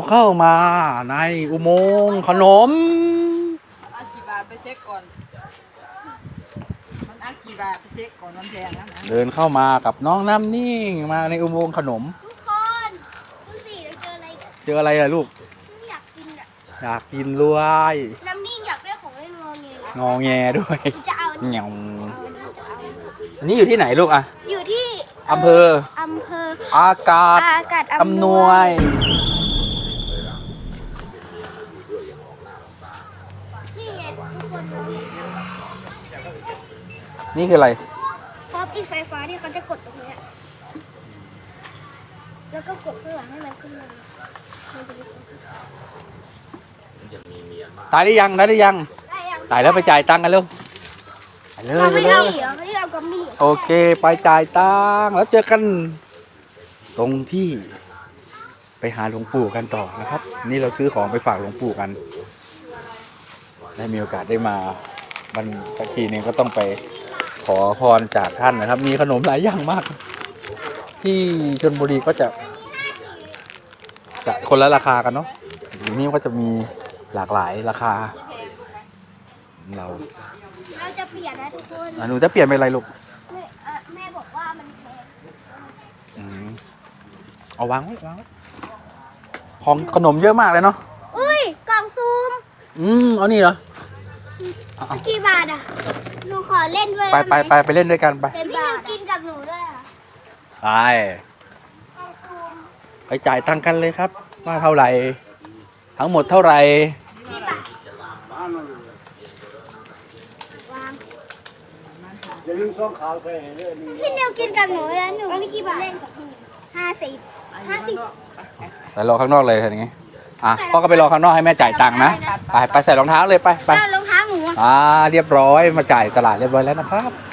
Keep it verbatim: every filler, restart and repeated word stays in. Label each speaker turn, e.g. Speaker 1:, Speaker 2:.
Speaker 1: เข้ามาในอุโมงค์ขนม
Speaker 2: อันกี่บาทไปเช็คก่อนมันอันกี่บาทไปเช็คก่อนมันแพงนะ
Speaker 1: เดินเข้ามากับน้องน้ำนิ่งมาในอุโมงค์ขนม
Speaker 3: ทุกคนดูสิเราเจออะไรกัน
Speaker 1: เจออะไรอะลูก
Speaker 3: อยากกินอ่ะ
Speaker 1: อยากกินรวย
Speaker 3: น้ำนิ่งอยากได้ของเล่นงอเงย
Speaker 1: งอแงด้วย
Speaker 3: จะเอาอัน
Speaker 1: เห
Speaker 3: นี้
Speaker 1: งา
Speaker 3: เอาอันนี้จะเอาอันนี้
Speaker 1: อันนี้อยู่ที่ไหนลูกอะ
Speaker 3: อยู่ที่
Speaker 1: อำเภอ
Speaker 3: อำเภอ
Speaker 1: อากาศ
Speaker 3: อากาศ
Speaker 1: อำนวย
Speaker 3: นี่ไงทุกคน
Speaker 1: นี่คืออะไร
Speaker 3: พร้อมอีกไฟฟ้าที่เขาจะกดตรงเนี้ยแล้วก็กดข้างหลังให้มันขึ้นมามันจะมี
Speaker 1: ตายได้ยังได้ได้ยัง
Speaker 3: ได้ยัง
Speaker 1: ตายแล้วไปจ่ายตังค์กันเร็วไปเลย
Speaker 3: เรา
Speaker 1: ไป
Speaker 3: ไม่
Speaker 1: เล
Speaker 3: เอา
Speaker 1: ย
Speaker 3: เหรอไม่ได้เอากัมมี่
Speaker 1: โอเคไปจ่ายตังค์แล้วเจอกันตรงที่ไปหาหลวงปู่กันต่อนะครับ นี่เราซื้อของไปฝากหลวงปู่กัน ได้มีโอกาสได้มาบันสักทีนึงก็ต้องไปขอพรจากท่านนะครับ มีขนมหลายอย่างมาก ที่ชลบุรีก็จะจะคนละราคากันเนาะทีนี้ก็จะมีหลากหลายราคา เรา
Speaker 3: เราจะเปลี่ยนนะทุกคน
Speaker 1: อ่ะหนูจะเปลี่ยนเป็นอะไรลูก
Speaker 3: แม่อ่ะแม่บอกว่ามันแพง
Speaker 1: อืมเอาวางไว้วางไว้ของขนมเยอะมากเลยเนาะ
Speaker 3: อุ้ยกล่องซูม
Speaker 1: อืมเอานี่เหรอเอาเอา
Speaker 3: กี่บาทอ่ะหนูขอเล่นด้วย
Speaker 1: ไปไปไปไปเล่นด้วยกันไป
Speaker 3: เป็นบาทกินกับหนูด้วยอ่ะ
Speaker 1: ไป
Speaker 3: กล่องซูม
Speaker 1: ไปจ่ายตังค์กันเลยครับ ว่าเท่าไหร่ ทั้งหมดเท่าไหร่
Speaker 3: กี่บาทวาง
Speaker 4: อย่าลืมซ่องขาวใส่เรื่องนี้
Speaker 3: พี่นิวกินกับหนูแล้วหนูไม่กี่บาทเล่นกับพี่ห้าสิบห้าสิบ
Speaker 1: ไปรอข้างนอกเลยอย่างงี้อ่ะพ่อก็ไปรอข้างนอกให้แม่จ่ายตังค์นะ ไปไปใส่รองเท้าเลยไปไป
Speaker 3: แล้วรองเท้าหนูอ่ะ
Speaker 1: อ่าเรียบร้อยมาจ่ายตลาดเรียบร้อยแล้วนะครับ